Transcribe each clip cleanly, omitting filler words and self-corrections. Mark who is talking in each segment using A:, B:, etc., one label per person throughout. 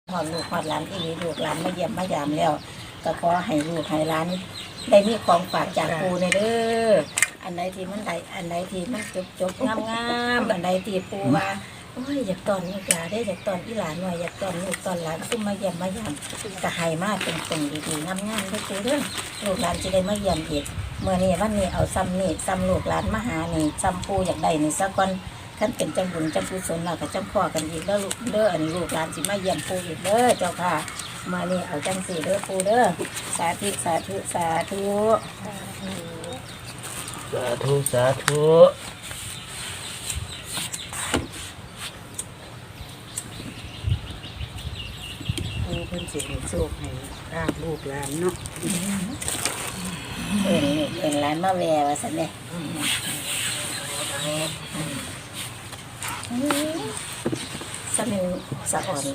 A: หอดลูกหอดหลานอีลูกหลานมาเยี่ยมมายามแล้วก็ขอให้ลูกให้หลานได้มีของฝากจากปูในเด้ออันใดที่มันได้อันใดที่มันจบงามอันใดที่ปูว่าโอ้ยอยากตอนลูกหลานได้อยากตอนอีหลานหน่อยอยากตอนลูกตอนหลานซุ่มมาเยี่ยมมายามก็ให้มาเป็นดีๆงามๆได้ปูเด้อลูกหลานจะได้มาเยี่ยมอีกเมื่อนี้วันนี้เอาซ้ำนี่ซ้ำลูกหลานมาหานี่ซ้ำปูอยากได้นี่สักวันท่านเป็นจังบุญจังกุศลเราก็จังพ่อกันอีกแล้วลูกเด้ออันนี้ลูกหลานสิมาเยี่ยมปูอีกเด้อเจ้าค่ะมานี่เอาจังสี่เด้อปูเด้อสาธุสาธุสาธุ
B: สาธุสาธุ
C: ปูเพิ่นสิให้โชคให้ลาบลูกหลานเนาะ
A: เป็นร้านมาแววสันเนี่ยสันหนึ่งสะอ่อน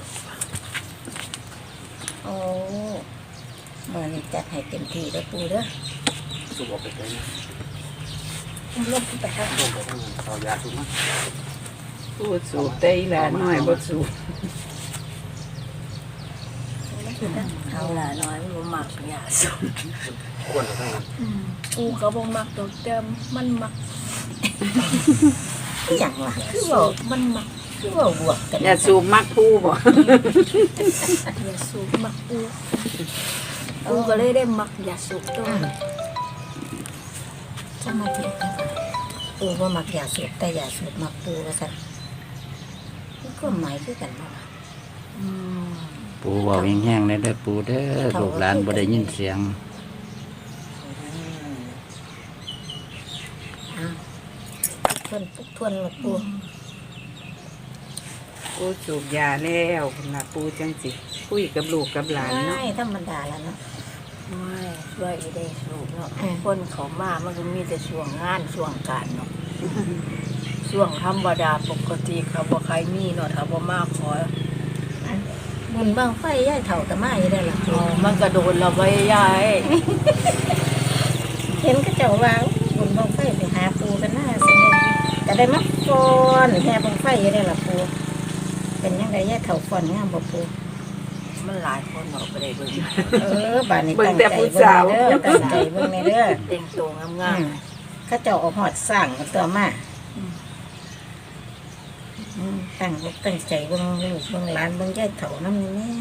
A: โอ้เมื่อนี้จัดให้เต็มที่เด้อปูเด้อ
B: สูบออกไปได้ไหม
A: ลบไปครับ
B: ลงไปทั้งนั้นเอายาสูบมั้ย
C: ปูสูบได้หลานน้อยบ่สูบ
A: เอาละน้อยบ่มักยาสูบ
B: ควรจะทั้งนั้น
A: ปูเขาบ่มักดอกเดิมมันมักอย่างล่ะคือว่ามันมักคือว่าบวกกัน
C: อย่าสูบมักปูบ่
A: อย่าสูบมักปูปูก็เลยได้มักอย่าสูบตัวจะมาเถียงกันปูว่ามักอย่าสูบแต่อย่าสูบมักปูว่าซั่นนี่ก็หมายคือกันบ่
B: ปูเว้าแห้งๆได้เด้อปูเด้อลูกหลานบ่ได้ยินเสียง
A: ทวนหมดปู
C: ปูสูบยาแล้วพุ่นน่ะปูจังสิคุยกับลูกกับหลานเนาะ
A: ธรรมดาแล้วเนาะ
D: ไม่ช่วยได้สูบเนาะคนเขามามันก็มีแต่ช่วงงานช่วงการเนาะช่วงธรรมดาปกติเขาบ่ใครมีเนาะถ้าบ่มาขอ
A: บุญบังไฟย่ายเถ่ากับมาอยู่ได้หรอ
D: มันก็โดนเราไว้ยาย
A: เห็นก็เจ้าว่าบุญบังไฟไปหาปูกันหน้าสิเนี่ยก็ได้มาฟอนแห่บังไฟอยู่ได้หรอปูเป็นยังไงย่ายเถ่าฟอนงามบ่ปู
D: มันหลายคนเนาะไปได้เบิ่ง
A: บ้านนี้ตั้งใจเบิ่งเด้อตั้งใจเบิ่งในเด้อ
D: แต่งตัวงาม
A: ๆเขาเจ้าเอาหอดสร้างกันตัวมาตั้งใจเบิ่งลูกเบิ่งหลานเบิ่งย่ายเถ่าน้ำนี่แม่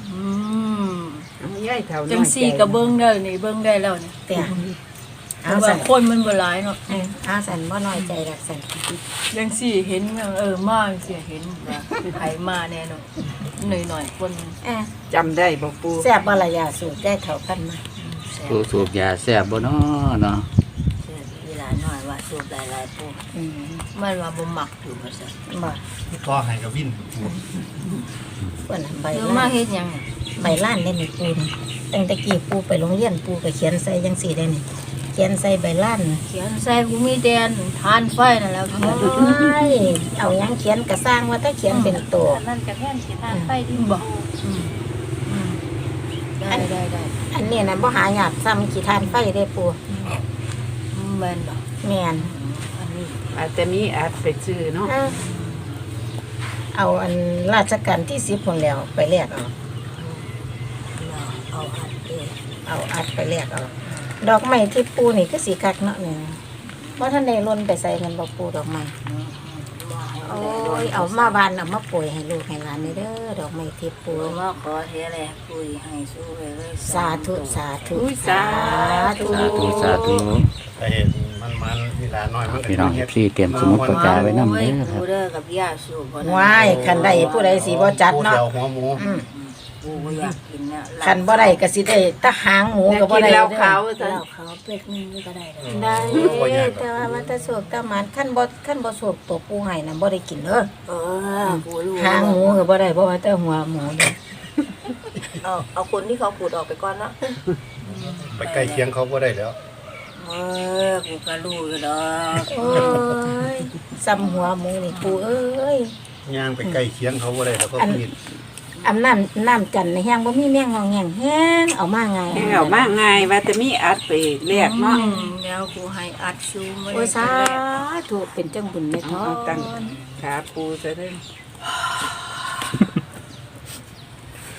C: ยายเฒ่าน้อย
D: จังซี่ก็เบิ่งได้นี่เบิ่งได้แล้วนี่
A: แต่
D: เอาว่าคนมันบ่หลายเนาะ
A: สันบ่น้อยใจรักสัน
D: จังซี่เห็นมาสิเห็นว่าไผมาแน่เนาะหน่อยๆคน
C: จำได้บ่ปู
A: แซ่บบ่ล่ะยาสูบได้เท่ากันมา
B: ปูสูบยาแซ่บบ่เนาะเนาะ
D: เวลาน้อยว่าสูบหลายๆปูมันว่าบ่มักอยู่ว่าซั่น
A: บ่
B: ทอให้กับวิน
A: เพิ่นใบ
D: มาเฮ็ดหยัง
A: ใบล้านได้นี่ปูตั้งแต่กี้ปูไปโรงเรียนปูก็เขียนใส่จังซี่ได้นี่เขียนใส่ใบล้าน
D: เขียนใส่กูมีแดนทานไฟนั่นแล้ว
A: โอ้ยเอาหยังเขียนก็สร้างว่าถ้าเขียนเป็นตัว
D: นั่นก็แทนสิทานไฟที่บ่ได้
A: อันนี้น่ะบ่หายากซ้ำขี้ทานไฟได้ปู
D: แม่นบ่
A: แม่น
D: อันนี้
C: อาจจะมีอาจไปซื้อเนาะ
A: เอาอันราชการที่10คนแล้วไปแลกเอาอัดไปแลกเอาดอกไม้ที่ปูนี่ก็สีกักเนาะเนี่ยเพราะท่านได้ล้นไปใส่เงินบอกปูดอกไม้โอ้ยเอามาบานเอามาป่วยให้ลูกให้หลานนี่เด้อดอกไม้ที่ปู
D: มาขอเทแลปุยให้สู้เลย
A: สาธุสาธุ
C: สาธุ
B: สาธุ
E: ไอ้มันเวลาน้อยมัน
B: พี่น้องพี่เตรียมสมุดปากกาไว้นำเด้อครับ
D: กับยาสูบ
A: ว้ายคันใดผู้ใดสิบ่จัดเนาะ
E: หัวหมู
D: อยากกินเนี่ย
A: คันบ่ได้ก็สิได้ตะหางหมูก็บ่ได้
C: แล้วเขา
D: เป็ดนึงก็ได้
A: ได้แต่ว่ามันจะสูบตะมันคันบ่สูบตัวปูให้น่ะบ่ได้กินเด้อหางหมูก็บ่ได้เพราะว่าแต่หัวหมูเด้
D: อเอาคนที่เขาขูดออกไปก่อนเนาะ
E: ไปใกล้เคียงเขาก็ได้แล้ว
D: กูก็รู้อยู่ดอก
A: โอ้ยซ้ำหัวหมูนี่ปูเอ้ย
E: ย่างไปใกล้เคียงเขาก็ได้แล้วก็มี
A: น้ำจันในแห้งบ่มีแมงงองแงงแห้งเอามาไง
C: แห้งเอามาไงว่าจะมีอัดไปเรียกเนาะ
D: แล้วกูให้อัดซูม
A: โอ้สาธุเป็นจังบุญแม่ท้อ
C: ตั้งขาปูซะเด้อ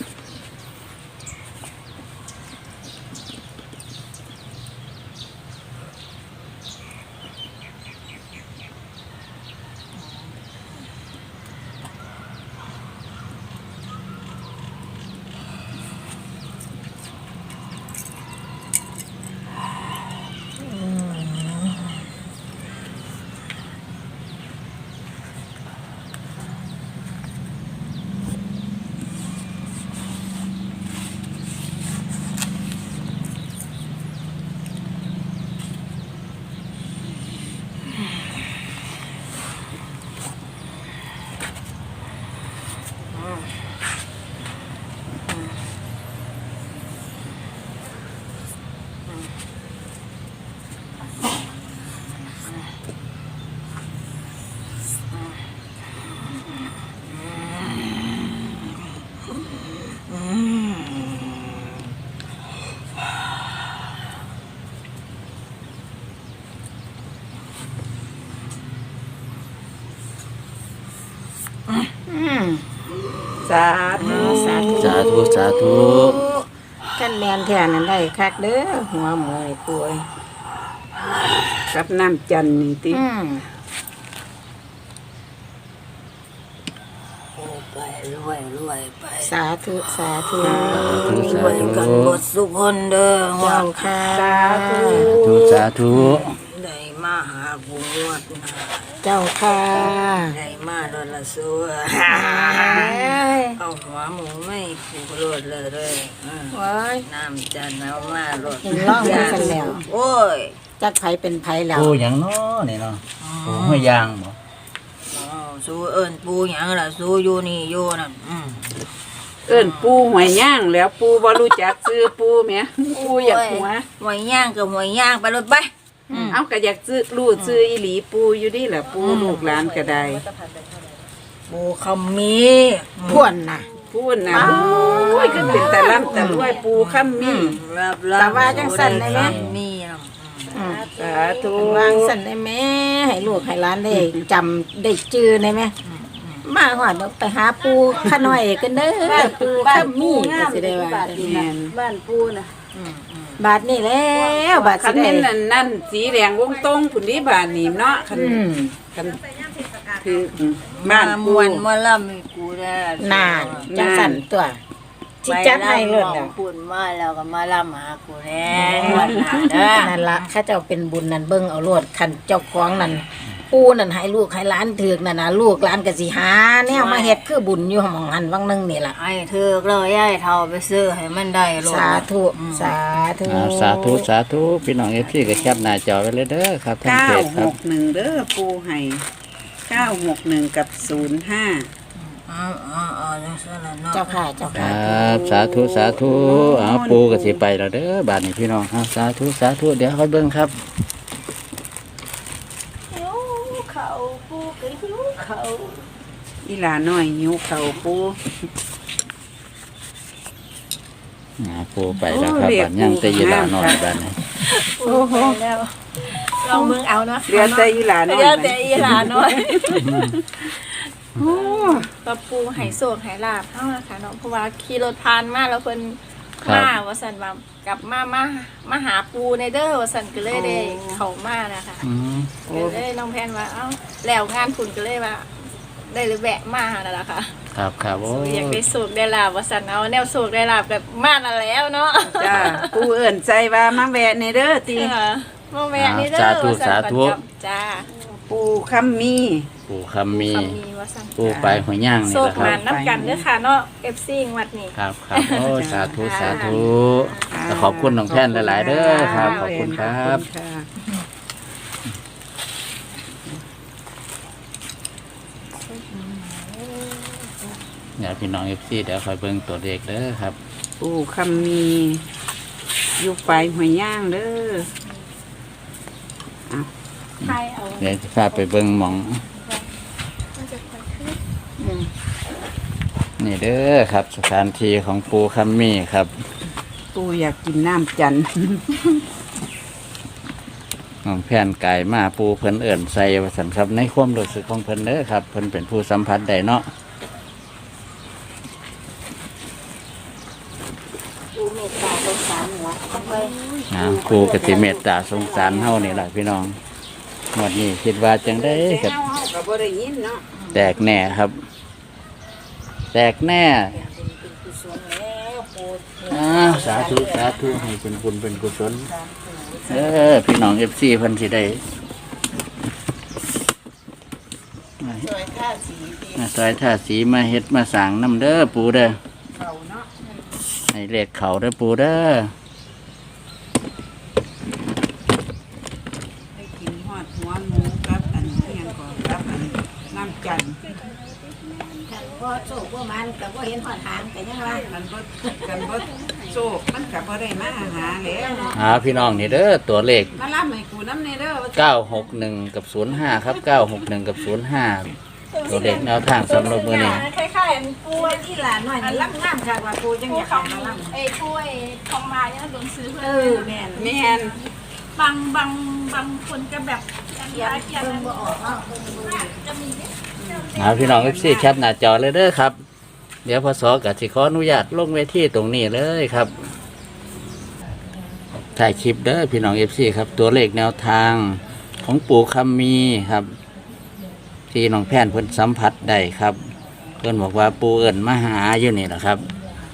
C: สาธุ
A: สาธุ
B: สาธุสาธุ
A: ท่านแมนแท้นั้นได้คักเด้อหัวหมวยป่วย
C: กับน้ำจันทร์นี่ติ
D: ไปรวยรวยไป
A: สาธุสาธุ
D: รวยกันหมดทุกคนเด้อ
A: เจ้าค่ะ
C: สาธุ
B: สาธุ
D: ได้มาหาบุญวัดนะ
A: เจ้าค่ะ
D: ได้มาโดนละซัวเอาหัวหมูไม่ผูกรถเลยเด้อ
A: ว้าย
D: น้ำจันทร์เอามารถ
A: เห็นร่องมากันแล้ว
D: โอ้ย
A: จักไผเป็นไผแล้ว
B: ปูหยังเนาะนี่เนาะปูห้วยยางบ่
D: สู้เอิญปูหยังล่ะสู้อยู่นี่อยู่นั่น
C: เอิ้นปูหวยย่างแล้วปูบ่รู้จักซื้อปูแหมปูอยากหัว
D: หวยย่างกับหวยย่างไปรถไป
C: เอาก็อยากซื้อรู้ซื้ออีหลีปูอยู่ดิล่ะปูลูกหลานก็ได้
D: ปูคำมี
A: พ่วนน่ะ
C: พูดนะโอ้ยก็เป็นแต่ล่ำแต่รวยปูค่ำมี
D: รับ
A: แต่ว่าจังสั่นได้ไหม
D: มีนะ
C: สาธุ
A: วางสั่นได้ไหมให้ลูกให้หลานได้จำได้จื้อได้ไหมมาหอดไปหาปูข้าน้อยกันเด้อปูข้ามีก็สิได้ว่า
C: แม่น
D: บ้านปูนะ
A: บาทนี่แล้วบาท
C: คั
A: สิ
C: น
A: ได้
C: แม่นนั่นสีแดงวงตรงผุนนี้บานนี่เนาะคัน
A: อืม
C: คันคือบ้าน
D: ม
C: ปู
D: วนมาล่ำมีกูได้
A: นานจังสั่นตัวสิจัดให้เลย
D: นะ
A: น่ะ
D: พูดมาแล้วก็มาล่ำหากูแน่วันหน้าเด้อ
A: นั่นละข้าเจ้าเป็นบุญนั่นเบิ่งเอาโลดคันเจ้าของนั่นปูนั่นให้ลูกให้หลานถือกนั่นน่ะลูกหลานก็สิหาแนวมาเฮ็ดคือบุญอยู่หม่องหันวังนึงนี่ล่ะ
D: ให้เธอเลยย้ายเท่าไปซื้อให้มันได้โลด
A: สาธุสาธุ
B: สาธุสาธุพี่น้อง FC ก็แคปหน้าจอไว้เลยเด้อครับท่านเพจครับ
C: 961เด้อปูให้961กับ05
D: จังซั่นล่ะเนาะ
A: เจ้าค่ะเจ้า
B: ค
A: ค่ะ
B: รับสาธุสาธุเอาปูก็สิไปแล้วเด้อบาดนี้พี่น้องครับสาธุสาธุเดี๋ยวค่อยเบิ่งครับ
D: หิวเขาปูก็หิวเขา
C: อีหลาน้อยหิวข้าวปู
B: ปูไปแล้วครับบัดยังแต่ยีหลาน้อยบัดนี้
D: โอ้โหแล้วลองมึงเอาเนาะ
C: เหลือแต่อีหลาน้อย
D: เดี๋ยวแต่อีหลาน้อย
C: โอ้
F: ปะปูไหโศกไหลาบเท่านะคะเนาะเพราะว่าขี่รถผ่านมาแล้วเพิ่น
B: ครับ
F: มาว่าสันว่ากลับมาหาปูในเด้อว่าสันก็เลยได้เข้ามานะคะ
B: อืม
F: ก็เลยน้องแพนว่าเอ้าแล้วงานคุณก็เลยว่า ได้เลยแวะมานั่นแหละค่ะ
B: ครับครับโอ้
F: อยากได้โศกได้ลาบว่าสันเอาแนวโศกได้ลาบแบบมาแล้วเนาะ
C: จ้าปูเอิ้นใจว่ามาแวะในเด้อติ
F: ค่ะมาแวะนี่เด้อว่าสันก่อนกลับจ้า
C: ปูค่ำมี
B: ปูคำมี
F: คำมีว่าสัน
B: ปูไปหัวย่างนี่
F: โศ
B: แห
F: ก
B: ละค
F: มา
B: รับ
F: น้ำกันเด้อค่ะเนาะ FC วัดนี้
B: ครับครับโอ้สาธุสาธุก็ขอบคุณน้องแพนหลายๆเด้อครับ ขอบคุณครับ
C: ขอณค่ะ
B: เดี๋ยวพี่น้อง FC เดี๋ยวคอยเบิ่งตัวเลขเด้อครับ
C: ปูคำมีอยู่ปลายหัวย่างเด้อ
F: ไทยเอา
B: เดี๋ยวจะพาไปเบิ่งหมอง
F: มันจะค่อยขึ้น
B: นี่เด้อครับ สถานที่ของปูคำมีครับ
C: ปูอยากกินน้ำจันทร์
B: น้องแพนไก่มาปูเพิ่นเอิ่นใส่ว่าสันครับในความรู้สึกของเพิ่นเด้อครับเพิ่นเป็นผู้สัมผัสได้เนาะ
A: ปูเมตตาสงสารหัวเอาไว้
B: ปูกติเมตตาสงสารเฮานี่แหละพี่น้องหมดนี้คิดว่าจังได้กับ
C: เฮาก็บ่ได้ยินเนาะ
B: แตกแน่ครับ แตกแน่
A: เป็นกุศลแล้วปู
B: สาธุสาธุให้เป็นบุญเป็นกุศลพี่น้อง FC เพิ่นสิได้
A: สวยข้าสีดี
B: ซอยท่าสีมาเฮ็ดมาสร้างน้ำเด้อปูเด้อ
C: เขาเนาะ
B: ให้เลขเขาเด้อปูเด้อ
C: ได้กินฮอดหัวหมูกับอันเฮียงก่อนกับอันน้ำจันทร์
A: บ่โชคบ่มันก็บ่เห็นหอดหางก็ยังว่า
C: กันบ่โชคมันก็บ่ได้มาหาแล้ว
B: พี่น้องนี่เด้อตัวเลข
C: มารับให้กูน้ำในเด้อ
B: 961 กับ 05 ครับ 961 กับ 05 ตัวเลขแนวทางสำหรับมื้อนี้
A: คล้ายๆปูที่หลานหน่อยนี่รับงามค่ะว่าปูจัง
F: ผู้
A: อยาก
F: เขา
A: ให้มาลำ
F: ผู้ของมาเนี่ยโดนซื้อเพื่
A: เอ
F: อ
A: อแม่น
C: แม่น
F: บางคนก็แบบเขียน
A: เพิ่นบ่ออกเนาะ
F: จะมี
B: พี่น้อง FC แคปหน้าจอเลยเด้อครับ เดี๋ยวพศก็สิขออนุญาตลงเวทีตรงนี้เลยครับถ่ายคลิปเด้อพี่น้อง FC ครับ ตัวเลขแนวทางของปู่คำมีครับ ที่น้องแพนเพิ่นสัมผัสได้ครับ เพิ่นบอกว่าปู่เอิ้นมาหาอยู่นี่แหละครับ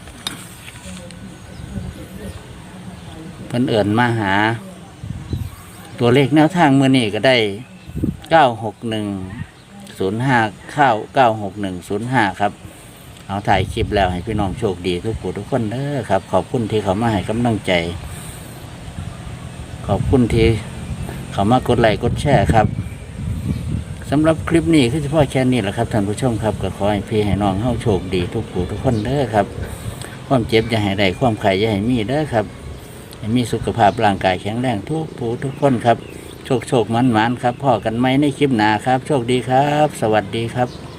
B: เพิ่นเอิ้นมาหา ตัวเลขแนวทางมื้อนี้ก็ได้96105เข้า96105ครับเอาถ่ายคลิปแล้วให้พี่น้องโชคดีทุกผู้ทุกคนเด้อครับ ขอบคุณที่เขามาให้กำลังใจ ขอบคุณที่เขามากดไลค์กดแชร์ครับสำหรับคลิปนี้คือเฉพาะแค่นี้แหละครับท่านผู้ชมครับก็ขอให้พี่ให้น้องเฮาโชคดีทุกผู้ทุกคนเด้อครับ ความเจ็บอย่าให้ได้ความไข้อย่าให้มีเด้อครับให้มีสุขภาพร่างกายแข็งแรงทุกผู้ทุกคนครับโชคมันครับพ่อกันไหมในคลิปหน้าครับ โชคดีครับ สวัสดีครับ